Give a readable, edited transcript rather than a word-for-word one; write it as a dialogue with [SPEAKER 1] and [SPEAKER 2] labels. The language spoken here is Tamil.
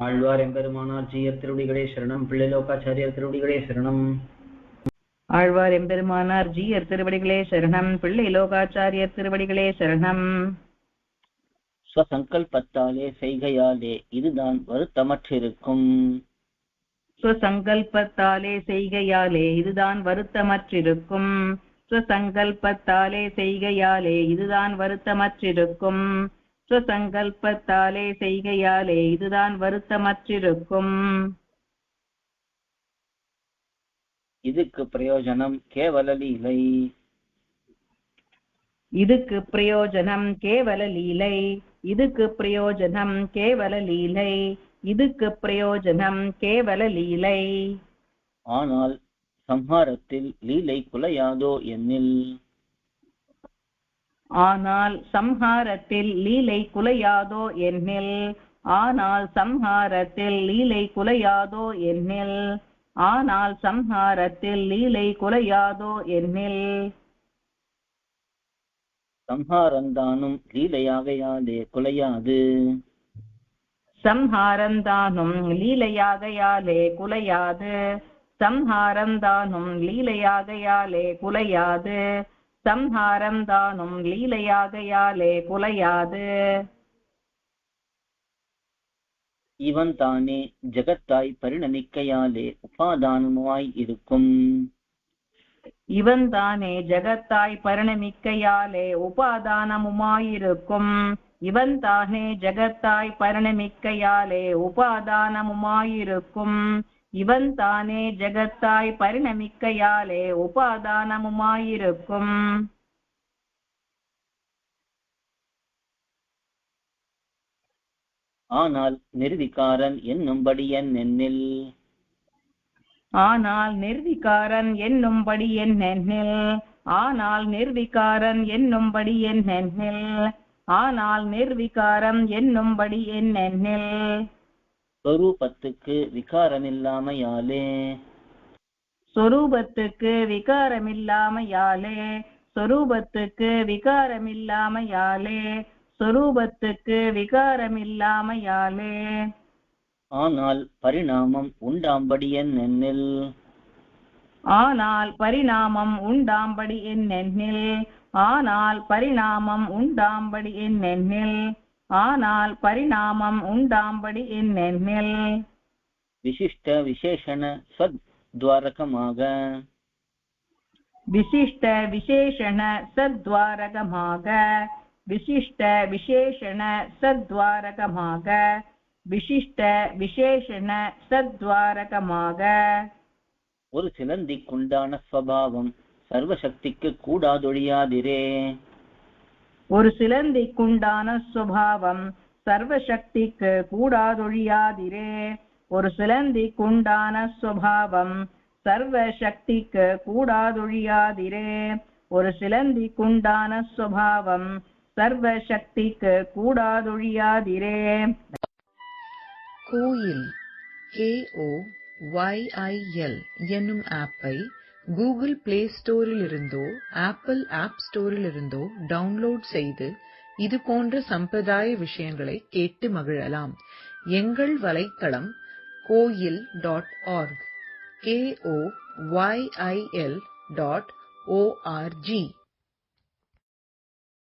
[SPEAKER 1] ஆழ்வார் எம்பெருமானார் ஜீயர் திருவடிகளே சரணம். பிள்ளைலோகாச்சாரியர் திருவடிகளே சரணம்.
[SPEAKER 2] ஆழ்வார் எம்பெருமானார் ஜீயர் திருவடிகளே சரணம். பிள்ளை லோகாச்சாரியர் திருவடிகளே சரணம்.
[SPEAKER 1] ஸ்வசங்கல்பத்தாலே செய்கையாலே இதுதான் வருத்தமற்றிருக்கும்.
[SPEAKER 2] ஸ்வசங்கல்பத்தாலே செய்கையாலே இதுதான் வருத்தமற்றிருக்கும். ஸ்வசங்கல்பத்தாலே செய்கையாலே இதுதான் வருத்தமற்றிருக்கும். ஸ்வசங்கல்பத்தாலே செய்கையாலே இதுதான் வருத்தமற்றிருக்கும்.
[SPEAKER 1] இதுக்கு பிரயோஜனம் கேவல லீலை.
[SPEAKER 2] இதுக்கு பிரயோஜனம் கேவல லீலை. இதுக்கு பிரயோஜனம் கேவல லீலை. இதுக்கு பிரயோஜனம் கேவல லீலை.
[SPEAKER 1] ஆனால் சம்ஹாரத்தில் லீலை குலையாதோ என்னில்.
[SPEAKER 2] ஆனால் சம்ஹாரத்தில் லீலை குலையாதோ என்னில். ஆனால் சம்ஹாரத்தில் லீலை குலையாதோ என்னில். ஆனால் சம்ஹாரத்தில் லீலை குலையாதோ என்னில்.
[SPEAKER 1] சம்ஹாரந்தானும் லீலையாகையாலே குலையாது.
[SPEAKER 2] சம்ஹாரந்தானும் லீலையாகையாலே குலையாது. சம்ஹாரந்தானும் லீலையாகையாலே குலையாது. சம்ஹாரந்தானும் லீலையாகையாலே குலையாது.
[SPEAKER 1] இவன் தானே ஜகத்தாய் பரிணமிக்கையாலே உபாதானமாய் இருக்கும்.
[SPEAKER 2] இவன் தானே ஜகத்தாய் பரிணமிக்கையாலே உபாதானமுமாயிருக்கும். இவன் தானே ஜகத்தாய் பரிணமிக்கையாலே உபாதானமுமாயிருக்கும். இவன் தானே ஜகத்தாய் பரிணமிக்கையாலே உபாதானமுமாயிருக்கும்.
[SPEAKER 1] ஆனால் நிர்விகாரன் என்னும்படி என்னில்.
[SPEAKER 2] ஆனால் நிர்விகாரன் என்னும்படி என்னென்னில். ஆனால் நிர்விகாரன் என்னும்படி என்னென்னில். ஆனால் நிர்விகாரம் என்னும்படி என்னென்னில்.
[SPEAKER 1] ஸ்வரூபத்துக்கு விகாரமில்லாமையாலே.
[SPEAKER 2] சொரூபத்துக்கு விகாரமில்லாமையாலே. சொரூபத்துக்கு விகாரமில்லாமையாலே. சொரூபத்துக்கு விகாரமில்லாமையாலே.
[SPEAKER 1] ஆனால் பரிணாமம் உண்டாம்படி என்னென்னில்.
[SPEAKER 2] ஆனால் பரிணாமம் உண்டாம்படி என்னென்னில். ஆனால் பரிணாமம் உண்டாம்படி என்னென்னில். ஆனால் பரிணாமம் உண்டாம்படி என்னென்னில்.
[SPEAKER 1] விசிஷ்ட விசேஷண சத்வாரகமாக.
[SPEAKER 2] விசிஷ்ட விசேஷண சத்வாரகமாக. விசிஷ்ட விசேஷண சத்வாரகமாக. விசிஷ்ட விசேஷண சத்வாரகமாக.
[SPEAKER 1] ஒரு சிலந்திக்குண்டான ஸ்வபாவம் சர்வசக்திக்கு கூடாதொழியாதிரே.
[SPEAKER 2] ஒரு சிலந்திக்குண்டான சுபாவம் சர்வசக்திக்கு கூடாதொழியாதிரே. ஒரு சிலந்திக்குண்டான சுபாவம் சர்வசக்திக்கு கூடாதொழியாதிரே. ஒரு சிலந்திக்குண்டான சுபாவம் சர்வசக்திக்கு கூடாதொழியாதிரே.
[SPEAKER 3] கோயில் KOYIL என்னும் ஆப்பை கூகுள் பிளே ஸ்டோரிலிருந்தோ ஆப்பிள் ஆப் ஸ்டோரிலிருந்தோ டவுன்லோட் செய்து இது போன்ற சம்பிரதாய விஷயங்களை கேட்டு மகிழலாம். எங்கள் வலைத்தளம் koil.org KOYIL.org